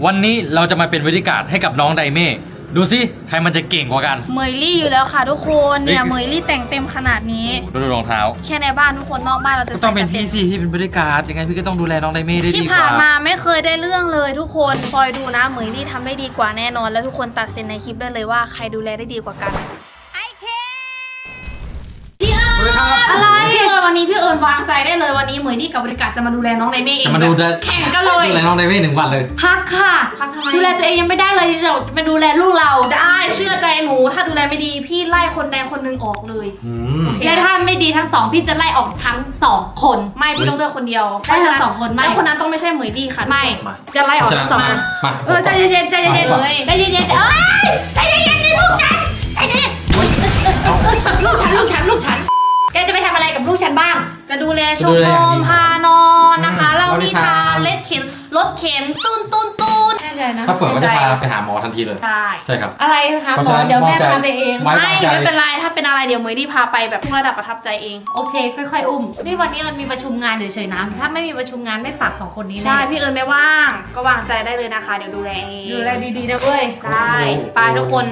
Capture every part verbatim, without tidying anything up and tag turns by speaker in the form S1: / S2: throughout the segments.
S1: วันนี้เราจะมาเป็นบริการให้กับน้องไดเม่ดูสิใครมันจะเก่งกว่ากัน
S2: เมยลี่อยู่แล้วค่ะทุกคนเนี่ยเมยลี่แต่งเต็มขนาดนี้
S1: ดูรองเท้า
S2: แค่ในบ้านทุกคนนอกบ้านเราจะ
S1: ต้องเป็นพี่สิที่เป็นบริการยังไงพี่ก็ต้องดูแลน้องไดเม่ได้ดีกว่า
S2: ที่ผ่านมาไม่เคยได้เรื่องเลยทุกคนคอยดูนะเมยลี่ทำได้ดีกว่าแน่นอนแล้วทุกคนตัดสินในคลิปได้เลยว่าใครดูแลได้ดีกว่ากันไอเคพี่เอิญอะไรพี่เอิญวันนี้พี่เอิญวางใจได้เลยวันนี้เมยลี่กับบริการจะมาดูแลน้องไดเม่เอง
S1: จะมาดู
S2: แข่งกันเลย
S1: ดูแลน้องไดเม่หนึ่งวันเลย
S3: พักค่ะ
S2: พักทำไม
S3: ดูแลตัวเองยังไม่ได้เลยจะมาดูแลลูกเรา
S2: ได้เชื่อใจหนูถ้าดูแลไม่ดีพี่ไล่คนใดคนหนึ่งออกเลย
S3: และถ้าไม่ดีทั้งสองพี่จะไล่ออกทั้งสองคน
S2: ไม่พี่ต้องเลือกคนเดียว
S3: ได้ทั้งสองคนไม่
S2: แล้วคนนั้นต้องไม่ใช่เหมยลี่ค่ะ
S3: ไม่
S2: จะไล่ออกทั้งสองคน
S3: เออใจเย็นๆใจเย็นๆเลยใจเย็นๆเอ้ยใจเย็นๆนี่ลูกฉันใจเย็นลูกฉันลูกฉันลูกฉันแกจะไปทำอะไรกับลูกฉันบ้าง
S2: จะดูแลชมรมพานอนนะคะเรานิทานเล็ดเข็นรถเข็นตุ้นตุ้นตุ้น
S3: แน่ใจนะ
S1: ถ้าเปิดก็จะพาไปหาหมอทันทีเลย
S2: ใช่
S1: ใช่ครับ
S3: อะไรนะคะหมอเดี๋ยวแม่พาไปเอง
S2: ไม่ไม่เป็นไรถ้าเป็นอะไรเดี๋ยวเมยลี่พาไปแบบทุกระดับประทับใจเอง
S3: โอเคค่อยๆอุ้มนี่วันนี้เอิญมีประชุมงานเฉยๆนะถ้าไม่มีประชุมงานไม่ฝากสองคนนี้เลย
S2: ใช่พี่เอิญไม่ว่างก็วางใจได้เลยนะคะเดี๋ยวดูแลเอง
S3: ดูแลดีๆนะเว้ย
S2: ได้ไปทุกคน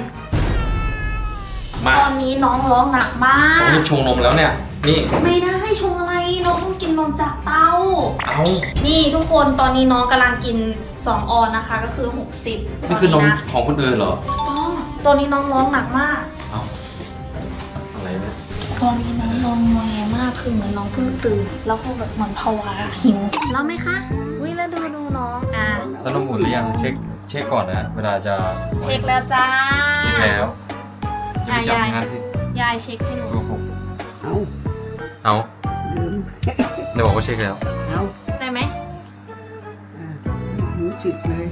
S2: ตอนนี้น้องร้องหนักมาก
S1: รีบชงนมแล้วเนี่ยนี่
S2: ไม่ได้ให้ชงอะไรน้องต้องกินนมจากเต้า
S1: เอา
S2: นี่ทุกคนตอนนี้น้องกำลังกินสองออนนะคะก็คือหกสิบ
S1: นี่คือนมของคนอื่นเหรอ
S2: ต้องตอนนี้น้องร้องหนักมาก
S1: เอาอะไรเนี่ย
S2: ตอนนี้น้องร้องงอแงมากคือเหมือนน้องเพิ่งตื่นแล้วก็แบบเหมือนภาวะหิวแล้วไหมคะวิแล้วดูดูน้องอ่ะ
S1: แล้วนมอุ่นหรือยังเช็คเช็คก่อนนะเวลาจะ
S2: เช็คแล้วจ้า
S1: เช็คแล้วจะไปจับงานสิ
S2: ยายเช็คให้หนู
S1: เอาเอาเดี๋ยวบอกว่าเช็คแล้ว
S2: เอาได้ไหม
S4: รู้สึกเลย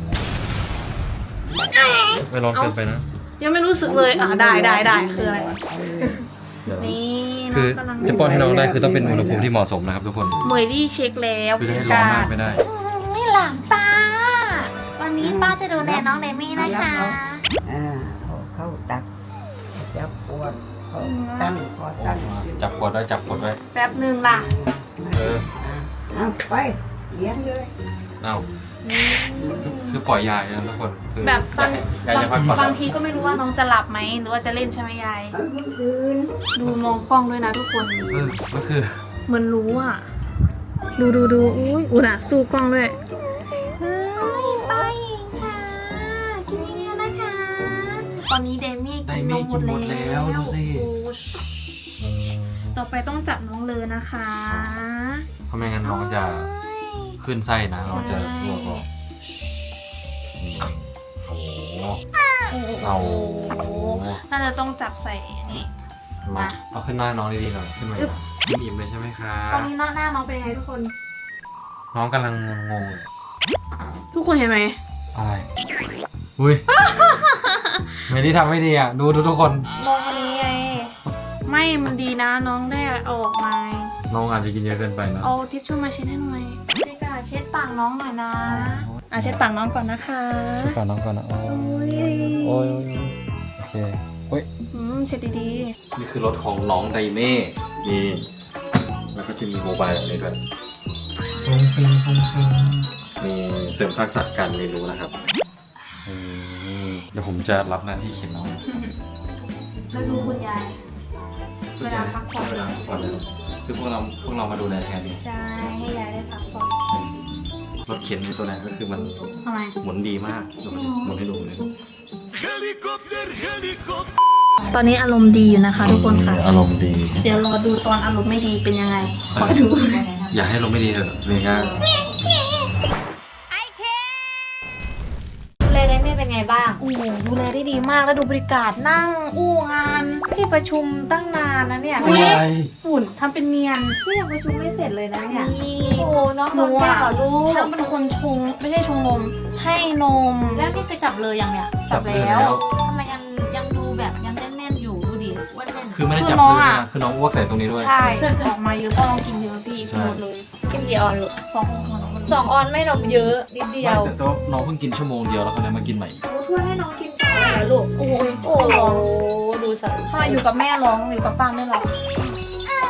S1: ไม่ลองเกินไปนะ
S2: ยังไม่รู้สึกเลยอ่ะได้ได้ได้คืออะไรนี่
S1: คือจะป้อนให้น้องได้คือต้องเป็นอุณหภูมิที่เหมาะสมนะครับทุกคน
S2: เมยลี่เช็คแล้ว
S1: คือจะให้ร้อนมากไม่ได้
S2: นี่หลานป้าวันนี้ป้าจะดูแลน้องไดเม่นะคะ
S4: อ่าเข้าตักจับปวดตั้งพอตั้ง
S1: จับกดไว้จับกดไว้
S2: แป๊บนึงล่ะ
S1: เออ
S4: เอาไปเลี้ยงเลย
S1: เอาคือปล่อยยายนะทุกคน
S2: แบบบาง
S1: ยายจะพักผ่อน
S2: บางทีก็ไม่รู้ว่าน้องจะหลับไหมหรือว่าจะเล่นใช่ไหมยายดูมองกล้องด้วยนะทุกคน
S1: เออก็คือ
S2: เหมือนรู้อ่ะดูดูดูอุ้ยอุณอ่ะสู้กล้องด้วยเฮ้ยไปค่ะกินเยอะนะคะตอนนี้เดมี่กินนมหมดแล้ว
S1: ดูสิ
S2: ต่อไปต้องจับน้องเลยนะคะ
S1: เพราะไม่งั้นน้องจะขึ้นไส้นะน้องจะรั่วออกโอ้โหเอา
S2: น่าจะต้องจับใส่อย่างนี้
S1: มาเอาขึ้นหน้าน้องดีๆหน่อยขึ้นมาอิ่มเลยใช่ไหมครับ
S2: ตอนนี้หน้าหน้าน้องเป็นยังไงทุกคน
S1: น้องกำลังงง
S2: ๆทุกคนเห็นไหม
S1: อะไรอุ้ยไม่ได้ทำไม่ดีอ่ะดูดูทุกคน
S2: มองอันนี้ไงไม่มันดีนะน้องได้เอาออกมา
S1: น้องอาจจะกินเยอะเกินไปนะ
S2: เอาทิชชู่มาเช็ดให้หน่อยพี่กาเช็ดปากน้องหน่อยนะอ่ะเช็ดปากน้องก่อนนะคะ
S1: เช็ดปากน้องก่อนนะโอ้ยโอ้ยโอเคโอ้ย
S2: อืมเช็ดดี
S1: ๆนี่คือรถของน้องไดเม่นี่แล้วก็จะมีโมบายแบบนี้ด้วยฟงฟิงฟงฟิงมีเสริมทักษะการเรียนรู้นะครับเดี๋ยวผมจะรับหน้าที่เข็นน้อง
S2: แล้วดูคุณยายเวลาพักผ่อน
S1: เวลาพักผ่อนเลยคือพวกเราพวกเรามาดูแลแทนนี่
S2: ใช่ให้ยายได้พักผ่อน
S1: รถเข็นในตัวไหนก็คือมันหมุนดีมากหมุนให้ดูเลย
S2: ตอนนี้อารมณ์ดีอยู่นะคะทุกคนค่ะ
S1: อารมณ์ดี
S2: เดี๋ยวรอดูตอนอารมณ์ไม่ดีเป็นยังไงขอดู
S1: อย่าให้อารมณ์ไม่ดีเถอะเลยง่าย
S3: ดูแลได้ไม่เป็นไงบ้าง
S2: โอ้ดูแลได้ดีมากแล้วดูบริการนั่งอู้งานที่ประชุมตั้งนานนะเนี่ยฝุ่นทำเป็นเนียน
S3: ที่ยังประชุมไม่เสร็จเลยนะเนี่ยโอ้น้อง
S2: หนูอ่ะ
S3: ลูก
S2: ทั้งเป็นคนชงไม่ใช่ชงนมให้นม
S3: แล้วนี่จะจับเลยยังเนี่ย
S2: จับแล้ว
S3: ทำไมยังยังดูแบบยังแน่นๆอยู่ดูดิว่าแน่น
S1: คือไม่ได้จับเลยนะคือน้องอ้วกใส่ตรงนี้ด้วย
S2: ใช่ออกมาเยอะก็ลองกินเยอะพี่หมดเลย
S3: กินกี่ออนลูก
S2: สองออน
S3: สองออนไม่นมเยอะนิดเดียว
S1: แต่น้องเพิ่งกินชั่วโมงเดียวแล้วเขาเลยมากินใหม่
S3: ช่วยให้น้องกินต่อเลยลูกโอ้ยโอ้ดูสั
S2: นถ้าอยู่กับแม่ร้องอยู่กับป้าไม่ร้อง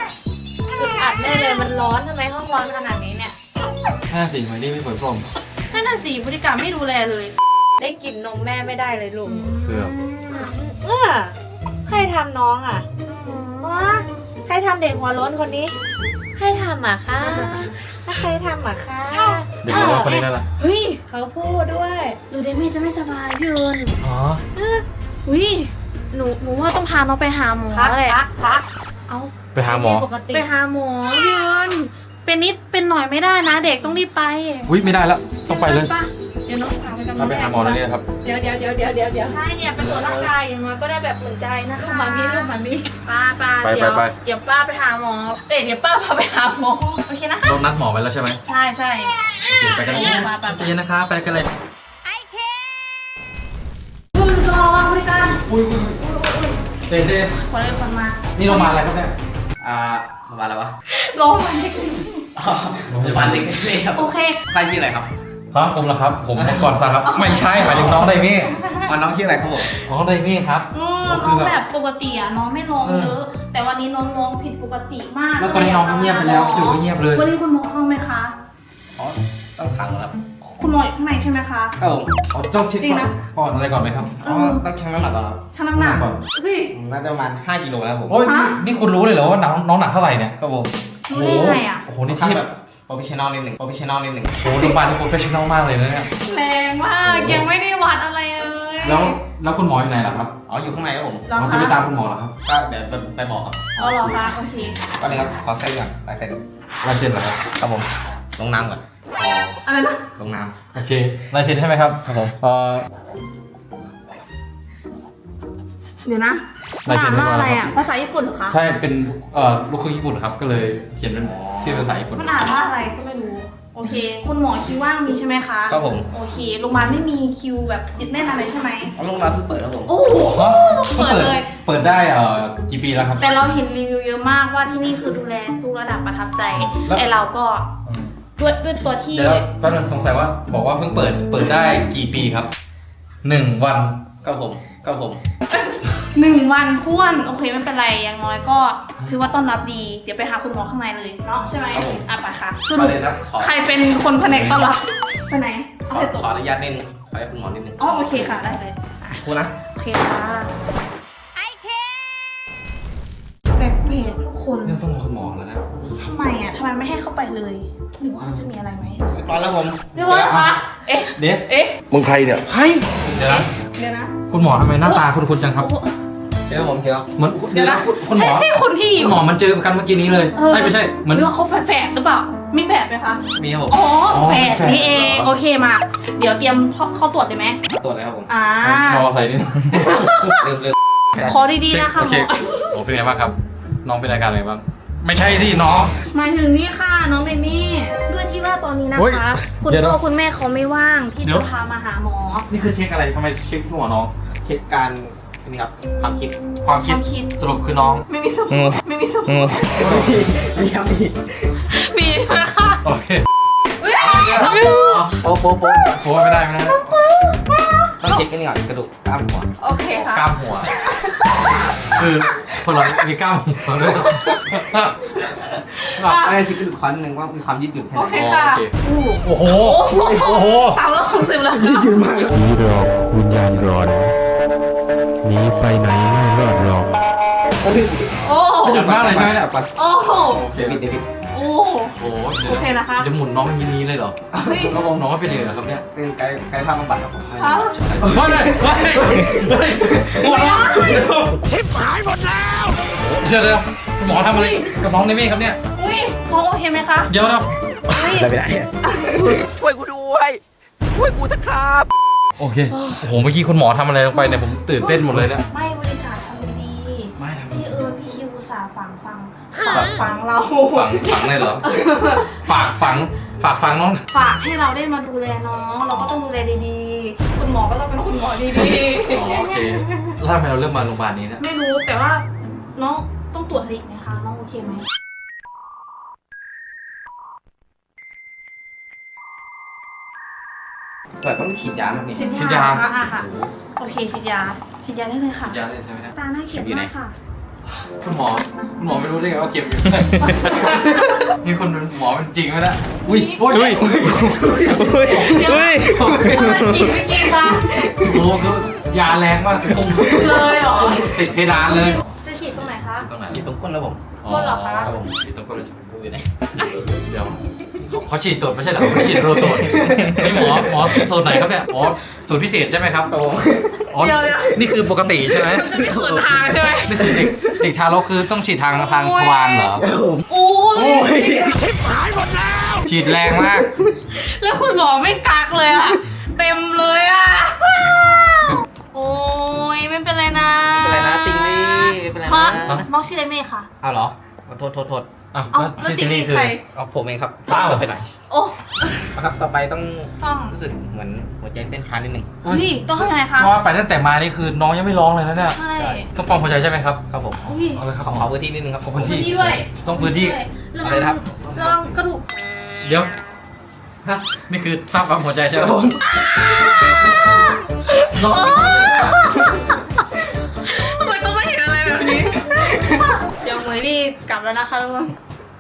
S3: อึดอัดได้เลยมันร้อนทำไมห้องร้อนขนาดนี้เนี่ย
S1: ห้าสี่ไม่ได้ไม่เปิดพรม
S2: ให้นั่นน่ะสิพฤติกรรมไม่ดูแลเลย
S3: ได้กินนมแม่ไม่ได้เลยลูก
S1: เพื่อ
S3: เออใครทำน้องอ่ะอ๋อใครทำเด็กหัวโล้นคนนี้ใครทำอ่ะคะถ้าใครทำอ่ะคะ
S1: เด็กน้อยคนนี้นั่นแหละ
S2: เฮ้ย
S3: เขาพูดด้วย
S2: หรือเดมี่จะไม่สบายพี่เอิญ
S1: อ๋อ
S2: อุ้ยหนูหนูว่าต้องพาน้องไปหาหมอ
S3: พัก
S2: แหละ
S3: พักพัก
S2: เอา
S1: ไปหาหมอ
S3: ปกติ
S2: ไปหาหมอพี่เอิญเป็นนิดเป็นหน่อยไม่ได้นะ เด็กต้องรีบไป
S1: อุ้ยไม่ได้แล้วต้องไปเลย
S2: ะเดี๋ยวน้องพาไปกับ
S1: เราไปหาหมอแล้วเนี่ยนะครับ
S3: เดี๋ยวเดี๋ยวเดี๋ยวเดี๋ยวเดี๋ยวเดี๋ยว
S2: ใช่เนี่ยไปตรวจร่างกายอย่างน้อยก็ได้แบบอุ่นใจนะคะ
S3: ลูกมามีลูกมามี
S2: ป้าป้า
S1: ไป
S2: เดี๋ยว
S1: ไปไป
S2: เดี๋ยวป้าไปหาหมอเอ้ยเดี๋ยวป้าพาไปหาหมอโอเคนะคะ
S1: เรานัดหมอไว้แล้วใช่ไหม
S2: ใช่ใช่
S1: โอเคไปกันเลย
S2: ป้าป้า
S1: ใจเย็นนะคะไปกันเลย
S2: มึงรอวางบริการ
S1: อุ้ยเจเจ
S2: ขอเลยคนมา
S1: นี่โรงพยาบาลอะไรครับเนี่ย
S5: อ่าโรงพยาบาลอะไรวะ
S2: รอวันเด็ก
S5: อ๋อโรงพยาบาลเด็กเล็กครับ
S2: โอเค
S5: ใครชื่ออะไรครับ
S1: ครับผมเหรอครับ ผมก่อนซะครับ ไม่ใช่หมายถึงน้องไดมี่
S5: อ๋อน้องชื่ออะไรครับผม
S1: น้องไดมี่ครับ
S2: อืมน้องแบบปกติอ่ะน้องไม่ร้องเยอะแต่วันนี้น้องร้องผิดปกติมาก
S1: แล้วตอนนี้น้องก็เงียบไปแล้วจู่ก็เงียบเลย
S2: วันนี้คุณหมอเข้าไหมคะ
S5: อ๋อต้องขังแล้วครับ
S2: คุณหมออยู่ข้างในใช่ไหมคะ
S5: ครับผม
S1: อ๋อต้องเช็ค
S2: จริงนะ
S1: ก่อนอะไรก่อนไหมครับ
S5: อ๋อต้องชั่งน้ำหนักก่อนครับ
S2: ชั่งน้ำหนัก
S1: ก่อน
S2: เฮ้ย
S5: อืมน่าจะประมาณห้ากิโลแล้วครับผม
S1: โอ้ยนี่นี่คุณรู้เลยเหรอว่าน้องน้องหนักเท่าไหร่เนี่ย
S5: ครับผม
S2: รู้ได้ไงอ่ะ
S1: โอ้โห
S5: นี่
S1: นี่
S5: ทำ
S1: เทีย
S5: แบบ บโปรเฟชชั่นอลนิดหนึ่งโปรเฟชชั่นอลนิดหนึ่ง
S1: โอ้โหโรงพยาบาลนี่โปรเฟชชั่นอลมากเลยนะเนี่ย
S2: แรงมากยังไม่ได้วัดอะไรเลย
S1: แล้วแล้วคุณหมออยู่ไหนล่ะครับ
S5: อ๋ออยู่ข้างในครับผม
S2: เหรอ
S1: เรา
S2: คะ
S1: จะไปตามคุณหมอเหรอครับ
S5: ก็เดี๋ยวไปไปบอกครับ
S2: อ๋อเหรอคะโอเค
S5: ก็เลยครับขอเซ็นก่อนลายเซ็น
S1: ลายเซ็นเหรอครับ
S5: ครับผมลงน้ำก่อน
S2: อะไรนะ
S5: ลงน้
S1: โอเคลายเซ็นใช่ไหมครับ
S5: ำครับผม
S1: เอ่อ
S2: เดี๋ยวนะ
S1: ลายเซ็น
S2: อ่านว่าอะไร
S1: ไม่พอแล้วครั
S2: อ่ะ
S1: บ
S2: ภาษาญี่ปุ่นเหรอคะ
S1: ใช่เป็นเอ่อลูกครึ่งญี่ปุ่นครับก็เลยเขียนเป็นชื่อภาษาญี่ปุ่น
S2: มันอ่านว่าอะไรก็ไม่รู้โอเค คุณหมอคิวว่างมีใช่ไหมคะ
S5: ครับผม
S2: โอเคโรงพยาบาลไม่มีคิวแบบติดแน่นอะไรใช่ไหม
S5: เอาลงน้ำเพิ่งเปิดครับผม
S2: โอ้โห
S1: ฮะ
S2: เปิดเลย
S1: เปิดได้เอ่อกี่ปีแล้วครับ
S2: แต่เราเห็นรีวิวเยอะมากว่าที่นี่คือดูแลทุกระดับประทับใจ
S1: แล้ว
S2: ไอเราก็ด้วยด้วยตัวที่
S1: เดี๋ยวแป๊บนึงสงสัยว่าบอกว่าเพิ่งเปิดเปิดได้กี่ปีครับหนึ่งวัน
S5: ครับผมครับผม
S2: หนึ่งวันท้วนโอเคไม่เป็นไรอย่างน้อยก็ถือว่าต้อนรับดีเดี๋ยวไปหาคุณหมอข้างในเลยเนาะใช่ไหมอ่ะไปค่ะส
S5: ขอ
S2: รุป
S5: เลยนะขอ
S2: ใครเป็นคนแผนกต้อนรับไปไหน
S5: ข
S2: เอา
S5: อ
S2: ไปตก
S5: ขออนุญาตนิดนึงขอให้คุณหมอนิดนึง
S2: อ๋อโอเคค่ะได้เลยอ่ะ
S5: คุณนะ
S2: โอเคค่ะแปลกๆทุกคน
S1: เนี่ยต้องรอคุณหมอแล้วนะ
S2: ทำไมอ่ะทำไมไม่ให้เข้าไปเลยหรือว่ามันจะมีอะไรไหม
S5: เรียบร้อยแล้วผม
S2: เรียบร้อยค่ะเอ๊ะ
S1: เดี๋ยว
S2: เอ๊ะ
S5: มึงใครเนี่ย
S1: เฮ้ยเดี๋ยวนะ
S2: เดี๋ยวนะ
S1: คุณหมอทำไมหน้าตาคุ้นๆจังครับ
S2: โอ้
S5: เดี๋ยวผมเดี๋ยว
S1: เหมือน
S2: เดี๋ยวนะ
S1: คุณคุณหม
S2: ใช่
S1: อ
S2: ใช่คนที่
S1: คุณหมอมันเจอกันเมื่อกี้นี้เลย
S2: เออ
S1: ไม่ไม่ใช่เหมือน
S2: หรือว่าเขาแฝดๆหรือเปล่ามีแฝดไหมคะ
S5: มีครับผม
S2: อ๋อ
S1: อ๋อ
S2: แฝด
S1: แฝด
S2: นี่เองโอเคมาเดี๋ยวเตรียมเข้าเข้าตรวจเลยไหม
S5: มาตรวจเลยครับผม
S2: อ่า
S1: รอใส่นิดนึง
S5: เริ่มเริ่ม
S2: ขอดีๆนะคะ
S1: โอ
S2: ห
S1: เค
S2: มอ
S1: โอ้เป็นไงบ้างครับ น้องเป็นอาการอะไรบ้าง ไม่ใช่สิน้อง
S2: หมายถึงนี่ค่ะน้องเบมี่ด้วยที่ว่าตอนนี้นะ
S1: เฮ้ย
S2: คะ คุณ
S1: เดี๋ยวนะ
S2: พ่อคุณแม่เขาไม่ว่างที่
S1: เดี๋ยว
S2: จะพามาหาหมอ
S1: นี่คือเช็คอะไรทำไมเช็คหัวน้อง
S5: เช็คการนี่ครับความคิด
S1: ความคิด
S2: ความคิด
S1: สรุปคือน้อง
S2: ไม่มีสมองไม่มีสมอง
S5: มีครับมี
S2: มีใช่ไหมคะ
S1: โอเค
S5: โป๊ะโป๊ะโป๊ะ
S1: โอ้ไม่ได้ไม่ได้
S5: ต้องเช็คกันก่อนกระดูกกล้ามหัว
S2: โอเคค่ะ
S1: กล้ามหัวคือคนเรามีกล้ามหัวด้วย
S5: ไม่ได้เช็คกระดูกคอนหนึ่งว่ามีความยืดหยุ่นแค่
S2: โอ
S5: ไห
S2: เคน ค่ะ
S1: โอ้โห โอ้โห
S2: สามร้อยหกสิบแล้ว
S5: ยืดหยุ่นมาก
S6: ผีหลอกวิญญาณร้อนหนีไปไหนไม่รอดหรอก
S2: โอ้
S1: หยุดมากเลยใช่ไหมเนี่ย
S2: โอ้โห
S1: โอเค
S5: เดวิดเดวิด
S2: โอ้
S1: โอ้โห
S2: โอเคนะคะ
S1: จะหมุนน้องอย่างนี้เลยเหรอ
S2: เฮ้ย
S5: ครับผม
S1: น้องก็เป็นเลยเหรอครับเนี่ย
S5: เป็นไกด์ไกด์ภาพบำบัดครับผม
S2: ฮะ
S1: ใช่เฮ้ยเฮ้ยเฮ้ยหมดแล้วชิบหายหมดแล้วเชื่อเลยคุณหมอทำอะไรกับน้องในเมฆครับเนี่ย
S2: อุ้ยน้องโอเคไหมคะ
S1: เดี๋ยวนะ
S2: อุ้ย
S5: ได้ไปไหน
S7: ช่วยกูด้วย ช่วยกูเถอะครับ
S1: โอเค โอ้โห เมื่อกี้คุณหมอทำอะไรลงไปเนี่ยผมตื่นเต้นหมดเลยเนี่ย
S2: ไม่บริการทำดี
S1: ไม่ทำ
S2: พี่เอิร์ธพี่คิวอุตสาห์ฝังฟังฝังฟังเรา
S1: ฝังฝังเลยเหรอ ฝากฝัง ฝากฝังน้อง
S2: ฝากให้เราได้มาดูแลน้อง เราก็ต้องดูแลดีๆ คุณหมอก็ต้องเป็นคุณหมอดี
S1: อ๋อโอเค แล้วทำไมเราเลือกมาโรงพยาบาลนี้เนี่ย
S2: ๆ ไม่รู้แต่ว่าน้องต้องตรวจอะไรอีกไหมคะน้องโอเคไหม
S5: เปิดต้องฉีดยาไหมพี่
S2: ฉีด
S1: ฉีด
S2: ยาย
S1: า
S2: ค่ะอ่ะค่ะโอเคฉีดยาฉีดยาได้เลยค่ะ
S1: ยาเลยใช่ไหมเนี่ย
S2: ตาหน้าเขียวมากค่ะ
S1: คุณหมอคุณหมอไม่รู้ได้ไงว่าเข็มอยู่ นี่คุณเป็นหมอเป็นจริงไหมนะอุ้ยอุ้ยอุ้ยอุ้ย
S2: เดี๋ยวมาฉีดไม่กินมา
S1: โอ้โหคือยาแรงมากตุ้ม
S2: เลยเหรอ
S1: ติดเพดานเลย
S2: จะฉีดตรงไหนคะ
S1: ตรงไหน
S5: ฉีดตรงก้นแล้วผม
S2: ก้นเหรอคะ
S5: ครับผม
S1: ฉีดตรงก้นเลยใช่ไหม
S5: ดูอยู่ไหน
S1: เดี๋ยวเขาเขาฉีดตรวจไม่ใช่เหรอเขาไม่ฉีดโรตรวจนี่หมอหมอสูตรไหนครับเนี่ยอ๋อสูตรพิเศษใช่ไหมครับอ๋อนี่คือปกติใช่ไหม
S2: จะมีส่วนทางใช่ไหม
S1: นี่คือเด็กเด็กทารกคือต้องฉีดทางทางทวารเหรอ
S2: โอ้ย
S1: ฉีดแรงมาก
S2: แล้วคุณหมอไม่กักเลยอะเต็มเลยอะโอ้ยไม่เป็นไรนะ
S5: เป็นไรนะติงลี่เป็นไร
S2: ฮะ
S5: นะ
S2: น้องชื่ออะไรเมย์ค่ะ
S5: เอาเหรอโทษโทษโทษ
S1: อ้าว
S2: เอา
S1: แล้ว
S2: แล้ว
S1: ฉีด
S2: ติ
S1: ที่
S2: ง
S1: นี่
S2: ลี่
S1: คือ
S2: ใคร
S5: เอาผมเองครับ
S1: อ้าว
S5: เปิดไปหน่อย
S2: โอ้
S5: นะครับต่อไปต้อง
S2: ต้อง
S5: รู้สึกเหมือนหัวใจเต้นช้านิดนึง
S2: เฮ้ยต้องทำยังไงคะ
S1: เพราะว่าไปตั้งแต่มานี่คือน้องยังไม่ร้องเลยนะเนี่ย
S2: ใช่
S1: ต้องปั๊มหัวใจใช่ไหมครับ
S5: ครับผม
S2: อุ้ย
S1: เอาเลยครับ
S5: ขอขอพื้นที่นิดนึงครับ
S1: ขอพื้นที่
S2: นี่ด้วย
S1: ต้องพื้นที่
S2: ระ
S5: อะไร
S2: วัง
S5: นะครับ
S2: ระวังกระดูก
S1: เดี๋ยวฮะนี่คือท่าปั๊มหัวใจใช่ไหมน้อง
S2: ทำไมต้องไม่เห็นอะไรแบบนี้ เดี๋ยวเหมยนี่กลับแล้วนะคะทุกคน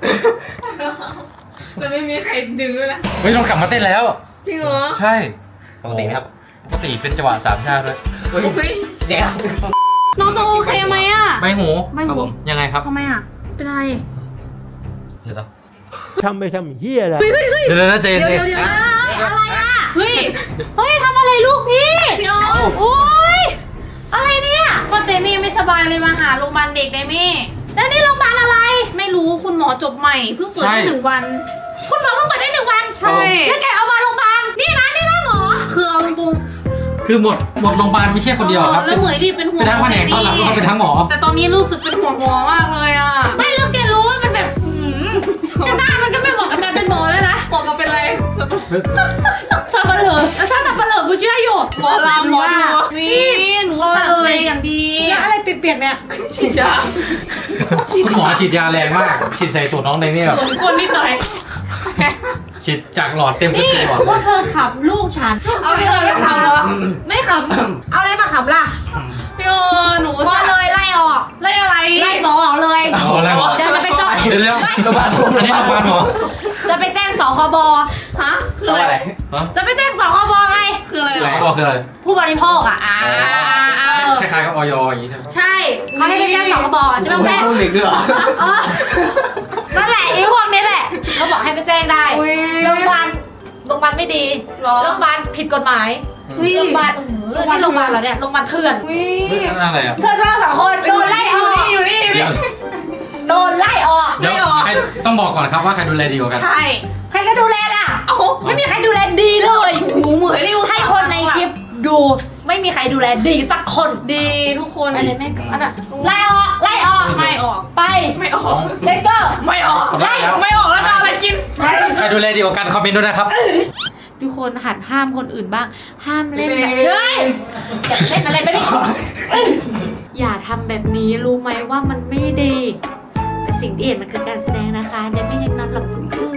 S2: แต่ไม่มีใครดึงด้วยนะ
S1: ไม่ต้องกลับมาเต้นแล้ว
S2: จริงเหรอ
S1: ใช่
S5: ปกติไหมครับ
S1: ปกติเป็นจังหวะสามชาติด้วย
S2: อุ้ย
S5: เดี๋ยว
S2: น้องจะโอเคไหมอะ
S1: ใบหู
S2: ไม่หู
S1: ยังไงครับ
S2: ทำไมอะเป็นอะไร
S1: เดี๋ยวนะ
S6: ทำไปทำเฮียอะไร
S1: เดี๋ยวนะเจน
S2: เดี๋ยว
S1: เจ
S2: เดี๋ย
S1: น
S2: วเดี๋ยวอะไรอะเฮ้ย
S3: เฮ้ยทำอะไรลูกพี่
S2: พี่ออม
S3: โอ้ยอะไรเนี่ย
S2: ก็เดมี่ไม่สบายเลยมาหาโรงพยาบาลเด็กเดมี่
S3: แล้วนี่โรงพยาบาลอะไร
S2: ไม่รู้คุณหมอจบใหม่เพิ่งเปิดได้หนึ่งวัน
S3: คุณหมอเพิ่งเปิดได้หนึ่งวัน
S2: ใช่
S3: แล้วแกเอามาโรงพยาบาลนี่นะนี่นะหมอ
S2: คือเอาตรง
S1: คือหมดหมดโรงพยาบาลมีแค่คนเดียวครับ
S2: แล้วเหมยดีเป็นห่ว
S1: เป็
S2: ง
S1: นทั้งแผนกตอนหลังก็เป็นทั้งหมอ
S2: แต่ตอนนี้รู้สึกเป็นห่วงหมอมากเลยอะ
S3: ไม่แล้วแกรู้ว่ามันแบบหืมแต่หน้ามันก็ไม่เหมาะกับการเป็นหมอแล้วนะ
S2: หมอมาเป็นไร
S3: สับปะเหร่อแล้วถ้าสับปะเหร่อกูเชื่ออยู่
S2: หมอลำหมอดูนี่หนูสั่งเลยอย่างดี
S3: แล้วอะไรเปียกๆเนี่ย
S2: ฉีดยา
S1: คุณหมอฉีดยาแรงมาก ฉีดใส่ตัวน้องในนี่แบบ
S2: สวนก้นนิดหน่อย
S1: ฉีดจากหลอดเต็มทุก
S3: นี่
S1: ตัว
S3: ว่าเธอขับลูกฉัน
S2: เอาไปเลยค่ะ
S3: ไม่ขับ เอาอะไรมาขับล่ะ
S2: พี่โอหนู
S3: ก็
S2: สั่ง
S3: เลยไล่ออก
S2: ไล่อะไร
S3: ไล่หมอออกเลย
S1: เอาอะไรหมอ
S3: เดี๋ยวจะไปจอด
S1: เดี๋ยวเดี๋ยวโรงพยาบาลอันนี้โรงพยาบาลหมอ
S3: จะไปแจ้งสคบ
S2: ฮะคือ
S5: แล้ว
S2: อะ
S5: อะไร ไร
S1: ฮะ
S3: จะไปแจ้งสคบไง
S2: คืออะไร
S1: สคบคืออะไร
S3: ผู้บริโภคอ่ะอ่าเออ
S1: คล้ายๆกับออยอย่างนี้ใช่ไหม
S3: ใช่เขาให้ไปแจ้งสคบจะไปแจ้ง
S5: ลูกเด็กด้วยเหรอ
S3: เออนั่นแหละไอ้พวกนี้แหละเขาบอกให้ไปแจ้งได้โรงพยาบาลโรงพยาบาลไม่ดีโรงพยาบาลผิดกฎหมายโรงพยาบาลโรงพยาบาลนี่โรงพยาบาลเหรอเนี่ยโรงพยาบาลเถื่อน
S2: วิ
S1: เฮ้ยนั่นอะไรอ่ะ
S3: เธอทั้งสองคนโดนไล่ออก
S2: อยู่นี่อยู่
S1: เดี๋
S2: นี่
S1: ยว
S3: โดนไล่ออก
S1: เดี๋ยวใครต้องบอกก่อนครับว่าใครดูแลดีกว่ากัน
S2: ใช่
S3: ใครจะดูแลล่ะ
S2: เอ้า
S3: ไม่มีใครดูแลดีเลย
S2: หูเหมยนี่อุตส่า
S3: ให้
S2: ห์
S3: คนในคลิปดูไม่มีใครดูแลดีสักคน
S2: ดีทุกคน
S3: อันนี้แม่งอันน่ะไล่ออกไล่ออก
S2: ไม่ออก
S3: ไป
S2: ไม่ออก
S3: let's go
S2: ไม่ออก
S1: ขอได้แล้ว
S2: ไม่ออกแล้วจะเอาอะไรกิน
S1: ใครดูแลดีกว่ากันคอมเมนต์ด้วยนะครับ
S3: ทุกคนหัดห้ามคนอื่นบ้าง ห้ามเล่นแบบเฮ้ยอย่าเล่นอะไรไปดิอย่าทำแบบนี้รู้ไหมว่ามันไม่ดี แต่สิ่งที่เห็นมันคือการแสดงนะคะเดี๋ยวไม่อยังนั้นหรอกอยู่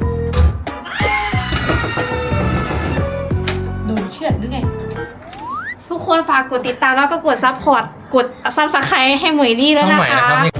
S3: โดนเชือดหรือไง
S2: ทุกคนฝากกดติดตามแล้วก็กดซับพอร์ตกดซับสไครต์ให้เหมยนี่แล้ว
S1: ช่อง
S2: นะ
S1: ใหม่นะ
S2: คะ
S1: ครับ